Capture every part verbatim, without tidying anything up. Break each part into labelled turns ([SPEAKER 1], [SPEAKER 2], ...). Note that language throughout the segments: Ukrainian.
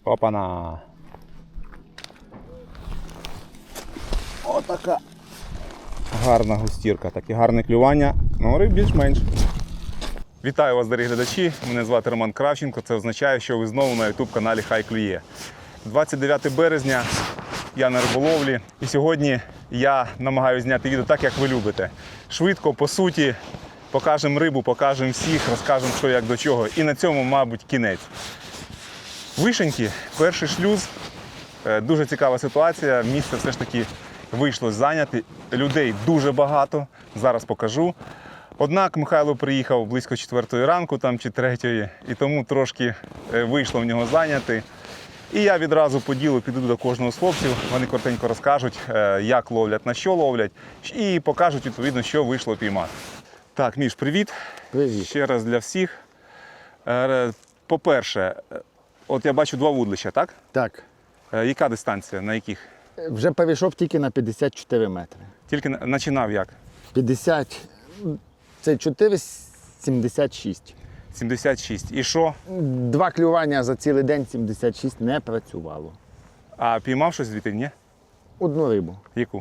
[SPEAKER 1] Опана. Отака. Гарна густірка, таке гарне клювання, ну риб більш-менш. Вітаю вас, дорогі глядачі, мене звати Роман Кравченко, це означає, що ви знову на ютуб-каналі Хай Клює. двадцять дев'яте березня, я на риболовлі і сьогодні я намагаюся зняти відео так, як ви любите. Швидко, по суті, покажемо рибу, покажемо всіх, розкажемо, що як до чого. І на цьому, мабуть, кінець. Вишеньки, перший шлюз, дуже цікава ситуація, місце все ж таки вийшло зайняти, людей дуже багато, зараз покажу. Однак Михайло приїхав близько четвертої ранку там, чи третьої, і тому трошки вийшло в нього зайняти. І я відразу по ділу піду до кожного з хлопців, вони коротенько розкажуть, як ловлять, на що ловлять, і покажуть, відповідно, що вийшло піймати. Так, Міш, привіт.
[SPEAKER 2] Привіт.
[SPEAKER 1] Ще раз для всіх. По-перше, от я бачу два вудлища, так?
[SPEAKER 2] Так.
[SPEAKER 1] Яка дистанція, на яких?
[SPEAKER 2] Вже перейшов тільки на п'ятдесят чотири метри.
[SPEAKER 1] Тільки починав як?
[SPEAKER 2] п'ятдесят, це чотири сімдесят шість.
[SPEAKER 1] сімдесят шість. І що?
[SPEAKER 2] Два клювання за цілий день сімдесят шість не працювало.
[SPEAKER 1] А піймав щось звідти, ні?
[SPEAKER 2] Одну рибу.
[SPEAKER 1] Яку?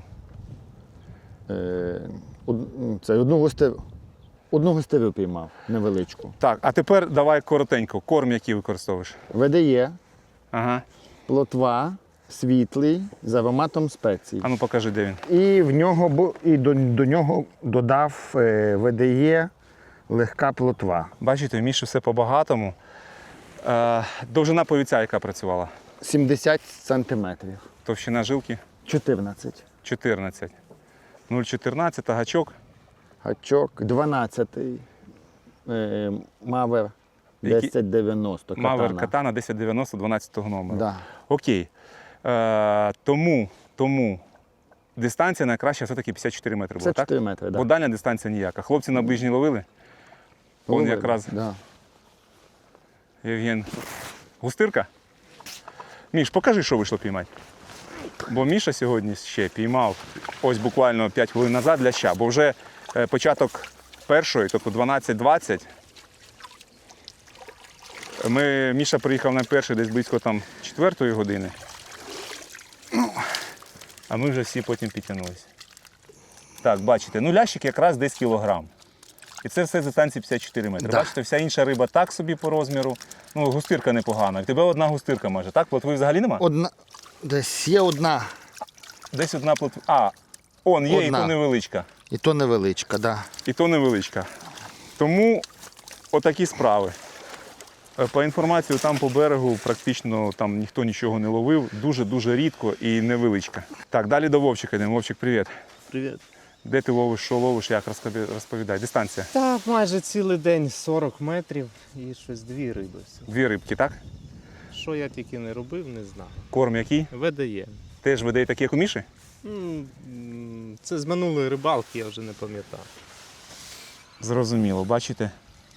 [SPEAKER 2] Е, од, це одну гостеву. Одну гостеву піймав, невеличку.
[SPEAKER 1] Так, а тепер давай коротенько. Корм, який використовуєш?
[SPEAKER 2] ВДЄ,
[SPEAKER 1] Ага.
[SPEAKER 2] плотва, світлий, з ароматом спецій.
[SPEAKER 1] А ну покажи, де він.
[SPEAKER 2] І в нього бу- і до, до нього додав е, ВДЄ легка плотва.
[SPEAKER 1] Бачите, в Міші все по-багатому. Е, довжина повіця, яка працювала?
[SPEAKER 2] сімдесят сантиметрів.
[SPEAKER 1] Товщина жилки
[SPEAKER 2] чотирнадцять.
[SPEAKER 1] чотирнадцять. нуль чотирнадцять, гачок.
[SPEAKER 2] Гачок дванадцятий. Е, Мавер
[SPEAKER 1] Який?
[SPEAKER 2] десять дев'яносто.
[SPEAKER 1] Мавер Катана десять дев'яносто дванадцятого номеру.
[SPEAKER 2] Да.
[SPEAKER 1] Окей. Е, тому, тому дистанція найкраща все-таки п'ятдесят чотири метри була,
[SPEAKER 2] Це чотири
[SPEAKER 1] так?
[SPEAKER 2] метри,
[SPEAKER 1] Бо
[SPEAKER 2] так.
[SPEAKER 1] дальня дистанція ніяка. Хлопці на ближній ловили? Он якраз
[SPEAKER 2] Да.
[SPEAKER 1] Євген. Густирка? Міш, покажи, що вийшло піймати. Бо Міша сьогодні ще піймав ось буквально п'ять хвилин назад ляща, бо вже е, початок першої, тобто дванадцять двадцять. Ми, Міша приїхав на перший десь близько там четвертої години. Ну, а ми вже всі потім підтягнулися. Так, бачите, ну лящик якраз десь кілограм. І це все з дистанції п'ятдесят чотири метри.
[SPEAKER 2] Да.
[SPEAKER 1] Бачите, вся інша риба так собі по розміру. Ну, густирка непогана. В тебе одна густирка майже, так? Плотви взагалі нема?
[SPEAKER 2] Одна, десь є одна,
[SPEAKER 1] Десь одна плотва. А, он є,
[SPEAKER 2] Одна.
[SPEAKER 1] і то невеличка.
[SPEAKER 2] і то невеличка, да.
[SPEAKER 1] І то невеличка. Тому отакі справи. Е, По інформації, там по берегу практично там ніхто нічого не ловив. Дуже-дуже рідко і невеличка. Так, далі до Вовчика йдемо. Вовчик, привіт.
[SPEAKER 3] Привіт.
[SPEAKER 1] Де ти ловиш, що ловиш, як розпові- розповідай. Дистанція.
[SPEAKER 3] Так, майже цілий день сорок метрів і щось дві риби. всього.
[SPEAKER 1] Дві рибки, так?
[SPEAKER 3] Що я тільки не робив, не знаю.
[SPEAKER 1] Корм який?
[SPEAKER 3] ВДЄ.
[SPEAKER 1] Теж видає такі, як у Міші?
[SPEAKER 3] М, м, Це з минулої рибалки, я вже не пам'ятаю.
[SPEAKER 1] Зрозуміло, бачите?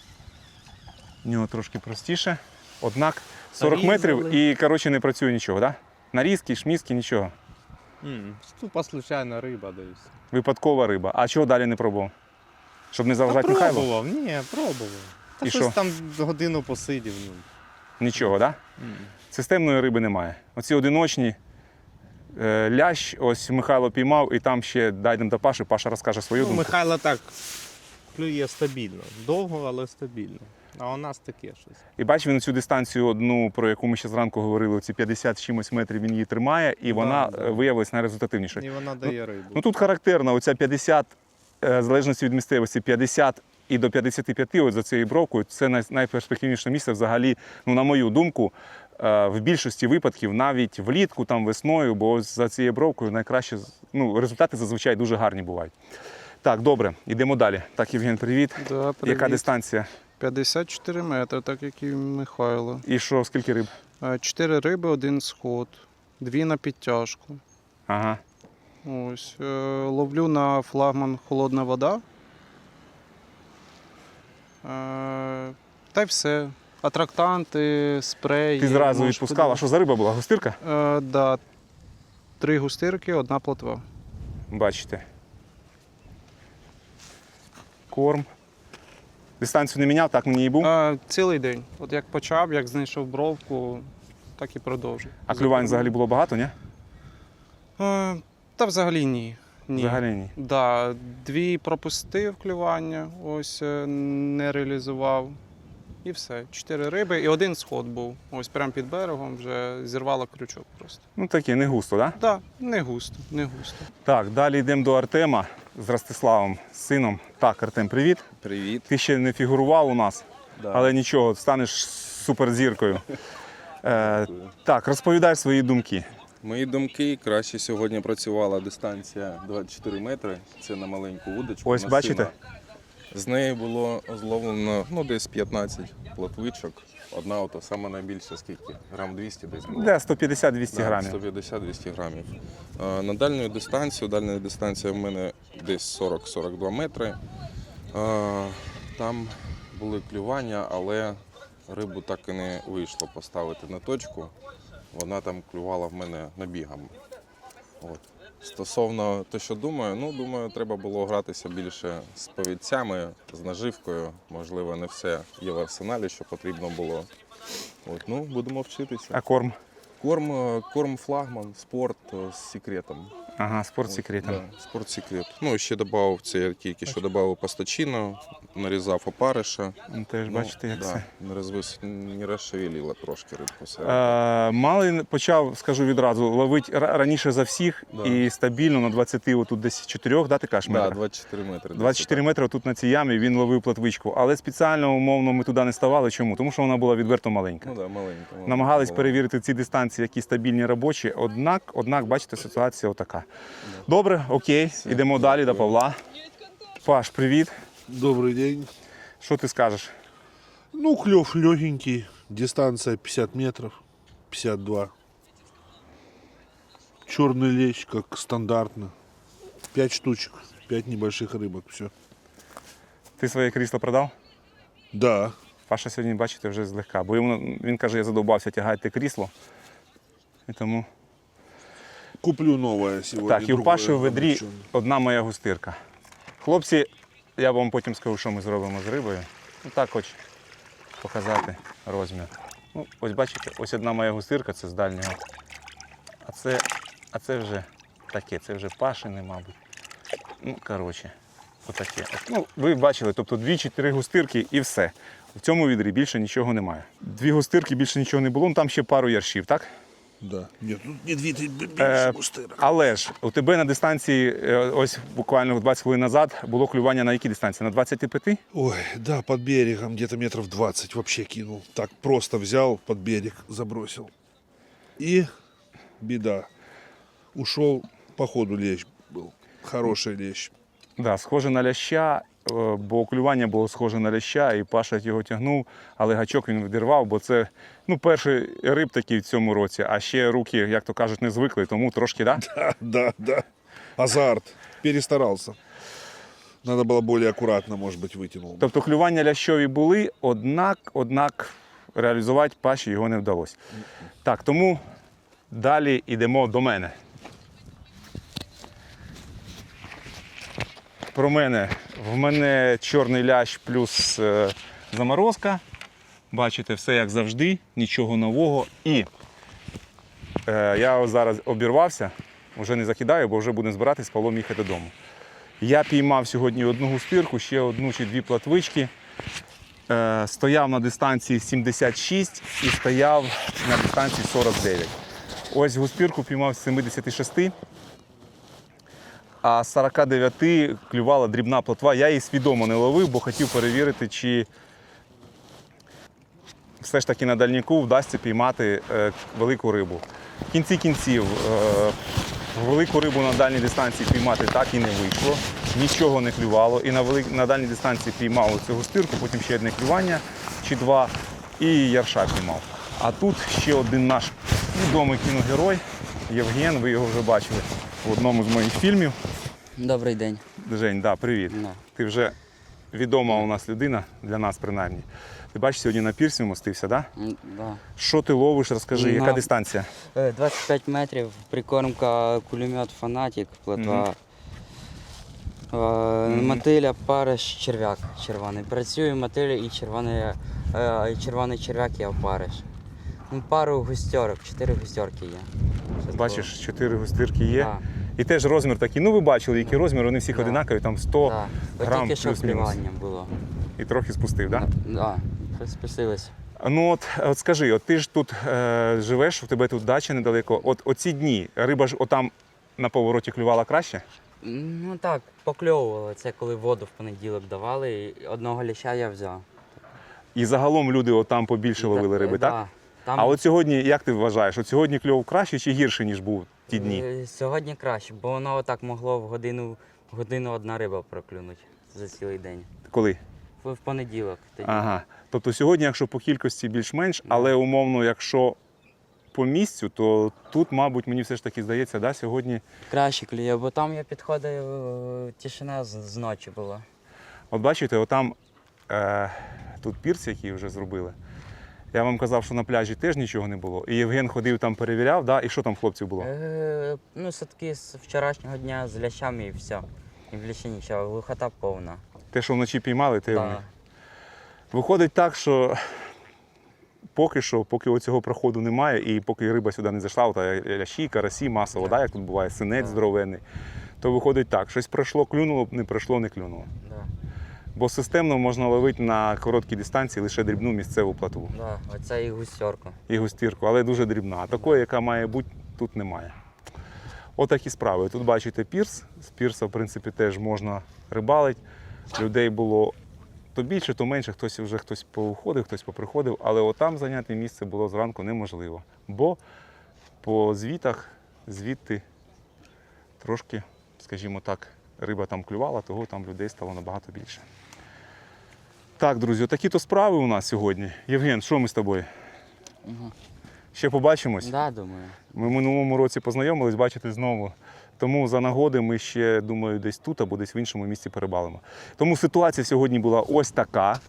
[SPEAKER 1] В нього трошки простіше. Однак сорок метрів
[SPEAKER 3] Нарізали.
[SPEAKER 1] і, коротше, не працює нічого, так? Да? Нарізки, шмізки, нічого.
[SPEAKER 3] М, Тупа случайна риба, даюсь.
[SPEAKER 1] Випадкова риба. А чого далі не пробував? Щоб не заважати Михайлу?
[SPEAKER 3] Пробував, ні, пробував. Та
[SPEAKER 1] І
[SPEAKER 3] щось
[SPEAKER 1] що?
[SPEAKER 3] там годину посидів. Ну.
[SPEAKER 1] Нічого, так? Да?
[SPEAKER 3] М.
[SPEAKER 1] Системної риби немає. Оці одиночні, е, лящ, ось Михайло піймав, і там ще дайдемо до Паші, Паша розкаже свою
[SPEAKER 3] Ну,
[SPEAKER 1] думку.
[SPEAKER 3] Михайло так клює стабільно. Довго, але стабільно. А у нас таке щось.
[SPEAKER 1] І бач, він цю дистанцію одну, про яку ми ще зранку говорили, ці п'ятдесят з чимось метрів він її тримає, і вона
[SPEAKER 3] да.
[SPEAKER 1] е, виявилась найрезультативнішою.
[SPEAKER 3] І вона дає рибу.
[SPEAKER 1] Ну тут характерно, оця п'ятдесят, е, в залежності від місцевості, п'ятдесят і до п'ятдесят п'ять, от за цією бровкою, це най- найперспективніше місце взагалі, ну, на мою думку, е, в більшості випадків, навіть влітку, там весною, бо ось за цією бровкою найкраще, ну, результати зазвичай дуже гарні бувають. Так, добре, йдемо далі. Так, Євген, привіт.
[SPEAKER 4] Да, привіт.
[SPEAKER 1] Яка дистанція?
[SPEAKER 4] п'ятдесят чотири метри, так як і в Михайло.
[SPEAKER 1] І що, скільки риб?
[SPEAKER 4] Е, Чотири риби, один сход, дві на підтяжку.
[SPEAKER 1] Ага.
[SPEAKER 4] Ось. е, Ловлю на флагман холодна вода. Е, Та й все. Атрактанти, спрей.
[SPEAKER 1] Ти зразу
[SPEAKER 4] можеш
[SPEAKER 1] відпускав. А
[SPEAKER 4] подивитися.
[SPEAKER 1] що за риба була? Густирка?
[SPEAKER 4] Е, Да. Три густирки, одна плотва.
[SPEAKER 1] Бачите. Корм. Дистанцію не міняв, так мені і був.
[SPEAKER 4] Е, Цілий день. От як почав, як знайшов бровку, так і продовжив.
[SPEAKER 1] А клювань взагалі було багато, ні?
[SPEAKER 4] Е, Та взагалі ні. ні.
[SPEAKER 1] Взагалі ні.
[SPEAKER 4] Да, дві пропустив клювання, ось е, не реалізував. І все. Чотири риби і один сход був. Ось прямо під берегом вже зірвало крючок просто.
[SPEAKER 1] Ну таке, не густо, так? Да?
[SPEAKER 4] Так, да, не густо, не густо.
[SPEAKER 1] Так, далі йдемо до Артема з Ростиславом, з сином. Так, Артем, привіт.
[SPEAKER 5] Привіт.
[SPEAKER 1] Ти ще не фігурував у нас,
[SPEAKER 5] Да.
[SPEAKER 1] але нічого, станеш суперзіркою. Е, так, розповідай свої думки.
[SPEAKER 5] Мої думки, краще сьогодні працювала дистанція двадцять чотири метри. Це на маленьку вудочку.
[SPEAKER 1] Ось
[SPEAKER 5] на
[SPEAKER 1] бачите?
[SPEAKER 5] сина. З неї було зловлено ну, десь п'ятнадцять плотвичок. Одна ото саме найбільша, скільки? Грам двісті десь було.
[SPEAKER 1] Де сто п'ятдесят - двісті
[SPEAKER 5] Да,
[SPEAKER 1] грамів.
[SPEAKER 5] сто п'ятдесят - двісті грамів. Е, На дальню дистанцію, дальня дистанція в мене десь сорок - сорок два метри. Е, Там були клювання, але рибу так і не вийшло поставити на точку. Вона там клювала в мене набігами. От. Стосовно того, що думаю, ну думаю, треба було гратися більше з повідцями, з наживкою. Можливо, не все є в арсеналі, що потрібно було. От, ну, будемо вчитися.
[SPEAKER 1] А корм?
[SPEAKER 5] Корм, е, корм флагман, спорт е, з секретом.
[SPEAKER 1] Ага, спорт секретом.
[SPEAKER 5] Да, спорт секрет. Ну, ще додав, це я тільки що додав пастачино, нарізав опариша.
[SPEAKER 1] Ну, теж бачите, як
[SPEAKER 5] да,
[SPEAKER 1] це.
[SPEAKER 5] Не, розвис... не розшевелила трошки рибку. Все.
[SPEAKER 1] Е, Малий почав, скажу відразу, ловити ра- раніше за всіх
[SPEAKER 5] Да.
[SPEAKER 1] і стабільно на двадцяти, отут десь чотирьох, да, ти кажеш,
[SPEAKER 5] Да,
[SPEAKER 1] метрах?
[SPEAKER 5] двадцять чотири метри.
[SPEAKER 1] двадцять чотири метри тут на цій ямі він ловив платвичку, але спеціально, умовно, ми туди не ставали. Чому? Тому що вона була відверто маленька.
[SPEAKER 5] Ну, да, маленька, маленька
[SPEAKER 1] Намагались
[SPEAKER 5] була.
[SPEAKER 1] перевірити ці дистанції, які стабільні робочі, однак, однак, бачите, ситуація отака. Добре, окей, йдемо далі до Павла. Паш, привіт.
[SPEAKER 6] Добрый день.
[SPEAKER 1] Що ти скажеш?
[SPEAKER 6] Ну, клев легенький, дистанция пятьдесят метров, пятьдесят два. Черный лещ, как стандартно. Пять штучек, пять небольших рыбок, все.
[SPEAKER 1] Ти своє крісло продав?
[SPEAKER 6] Да,
[SPEAKER 1] Паша сьогодні, бачите, вже злегка. Бо йому, він каже, я задовбався тягати крісло. І тому...
[SPEAKER 6] куплю новое сегодня.
[SPEAKER 1] Так, і у
[SPEAKER 6] другое
[SPEAKER 1] Паші в ведрі
[SPEAKER 6] облегченное.
[SPEAKER 1] одна моя густирка. Хлопці, я вам потім скажу, що ми зробимо з рибою. Ну так хоч показати розмір. Ну, ось бачите, ось одна моя густирка, це з дальнього. А це, а це вже таке, це вже Пашини, мабуть. Ну, коротше, отаке. Ну, ви бачили, тобто дві-чотири густирки і все. В цьому відрі більше нічого немає. Дві густирки, більше нічого не було, ну там ще пару яршів, так?
[SPEAKER 6] Да. Нет, тут не две,
[SPEAKER 1] Е,
[SPEAKER 6] больше густырок.
[SPEAKER 1] але ж у тебе на дистанції, е, ось буквально двадцять хвилин назад, було клювання на якій дистанції? На двадцять п'ять?
[SPEAKER 6] Ой, да, под берегом где-то метров двадцать вообще кинул. Так просто взял, под берег забросил. И беда. Ушел, по ходу лещ был. Хороший лещ.
[SPEAKER 1] Да, схоже на ляща, е, бо клювання було схоже на ляща, і Паша його тягнув, але гачок він відірвав, бо це ну, перший риб такий в цьому році, а ще руки, як то кажуть, не звикли, тому трошки, да?
[SPEAKER 6] Да, да, да. Азарт. Перестарался. Надо было более аккуратно, может быть, вытянул.
[SPEAKER 1] Тобто клювання лящові були, однак, однак реалізувати Паші його не вдалося. Так, тому далі йдемо до мене. Про мене. В мене чорний лящ плюс е, заморозка. Бачите, все як завжди, нічого нового. І е, я ось зараз обірвався, вже не закидаю, бо вже будемо збиратись з Павлом їхати додому. Я піймав сьогодні одну густирку, ще одну чи дві платвички. Е, стояв на дистанції сімдесят шість і стояв на дистанції сорок дев'ять. Ось густирку піймав з сімдесят шість, а з сорок дев'ять клювала дрібна плотва. Я її свідомо не ловив, бо хотів перевірити, чи все ж таки на дальніку вдасться піймати е, велику рибу. В кінці кінців е, велику рибу на дальній дистанції піймати так і не вийшло. Нічого не клювало. І на, вели... на дальній дистанції піймав цю густирку, потім ще одне клювання чи два, і ярша піймав. А тут ще один наш відомий кіногерой Євген, ви його вже бачили в одному з моїх фільмів.
[SPEAKER 7] Добрий день.
[SPEAKER 1] Жень, да, привіт.
[SPEAKER 7] Да.
[SPEAKER 1] Ти вже відома у нас людина, для нас принаймні. Ти бачиш, сьогодні на пірсі вмостився, так? Да?
[SPEAKER 7] М, Да.
[SPEAKER 1] Що ти ловиш, розкажи,
[SPEAKER 7] На-
[SPEAKER 1] яка дистанція?
[SPEAKER 7] Е, двадцять п'ять метрів, прикормка, кулемет, фанатик, плотва. Е, Мотиля, париш, черв'як червоний. Працює мотиля і червоний, е, і червоний черв'як і опариш. Ну, пару густерок, чотири густерки є. Щас
[SPEAKER 1] Бачиш, чотири густирки є.
[SPEAKER 7] було.
[SPEAKER 1] І теж розмір такий. Ну ви бачили, який розмір, вони всіх
[SPEAKER 7] Да.
[SPEAKER 1] одинакові, там
[SPEAKER 7] Да,
[SPEAKER 1] сто
[SPEAKER 7] да. От
[SPEAKER 1] грам
[SPEAKER 7] тільки що
[SPEAKER 1] плюс-мінус.
[SPEAKER 7] клювання було.
[SPEAKER 1] І трохи спустив, так? Да?
[SPEAKER 7] Да, спустились.
[SPEAKER 1] Ну от, от скажи, от ти ж тут е, живеш, у тебе тут дача недалеко. От оці дні риба ж отам на повороті клювала краще?
[SPEAKER 7] Ну так, покльовувало. Це коли воду в понеділок давали, і одного ліща я взяв.
[SPEAKER 1] І загалом люди отам побільше ловили риби, так?
[SPEAKER 7] Да. Там
[SPEAKER 1] А от сьогодні, як ти вважаєш, от сьогодні кльов краще чи гірше, ніж був ті дні?
[SPEAKER 7] е, Сьогодні краще, бо воно отак могло в годину, в годину одна риба проклюнути за цілий день.
[SPEAKER 1] Коли?
[SPEAKER 7] В, в понеділок тоді.
[SPEAKER 1] Ага. Тобто сьогодні, якщо по кількості більш-менш, але умовно, якщо по місцю, то тут, мабуть, мені все ж таки здається, да, сьогодні.
[SPEAKER 7] Краще клює, бо там я підходив, е, тишина з, з ночі була.
[SPEAKER 1] От бачите, отам е, тут пірс, який вже зробили. Я вам казав, що на пляжі теж нічого не було. І Євген ходив там, перевіряв, да? І що там в хлопців було?
[SPEAKER 7] Е, ну, садки з вчорашнього дня з лящами і все. І в ліщі нічого, глухота повна.
[SPEAKER 1] Те, що вночі піймали, те вони.
[SPEAKER 7] Да.
[SPEAKER 1] Виходить так, що поки що, поки оцього проходу немає, і поки риба сюди не зайшла, та лящі, карасі, масово, да, як тут буває, синець
[SPEAKER 7] Так.
[SPEAKER 1] здоровенний, то виходить так, щось пройшло, клюнуло, не пройшло, не клюнуло.
[SPEAKER 7] Да.
[SPEAKER 1] Бо системно можна ловити на короткій дистанції лише дрібну місцеву платву
[SPEAKER 7] Да, оце і гусьорка.
[SPEAKER 1] і густірку, але дуже дрібна. А такої, яка має бути, тут немає. Отакі справи. Тут бачите пірс. З пірса, в принципі, теж можна рибалити. Людей було то більше, то менше, хтось вже хтось повиходив, хтось поприходив, але отам зайняти місце було зранку неможливо. Бо по звітах звідти трошки, скажімо так, риба там клювала, того там людей стало набагато більше. Так, друзі, такі то справи у нас сьогодні. Євген, що ми з тобою?
[SPEAKER 7] Угу.
[SPEAKER 1] Ще побачимось?
[SPEAKER 7] Да, думаю.
[SPEAKER 1] Ми в минулому році познайомились, бачите, знову. Тому за нагоди ми ще, думаю, десь тут або десь в іншому місці перебалимо. Тому ситуація сьогодні була ось така.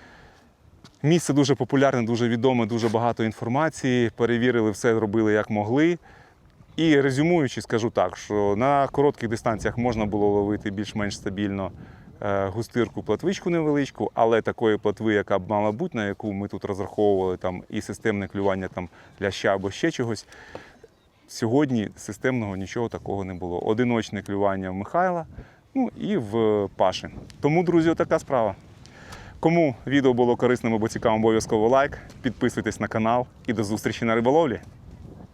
[SPEAKER 1] Місце дуже популярне, дуже відоме, дуже багато інформації. Перевірили, все зробили як могли. І резюмуючи, скажу так, що на коротких дистанціях можна було ловити більш-менш стабільно е, густирку, платвичку невеличку, але такої платви, яка б мала бути, на яку ми тут розраховували, там, і системне клювання там, ляща або ще чогось, сьогодні системного нічого такого не було. Одиночне клювання в Михайла, ну і в Паші. Тому, друзі, така справа. Кому відео було корисним або цікавим, обов'язково лайк, підписуйтесь на канал і до зустрічі на риболовлі.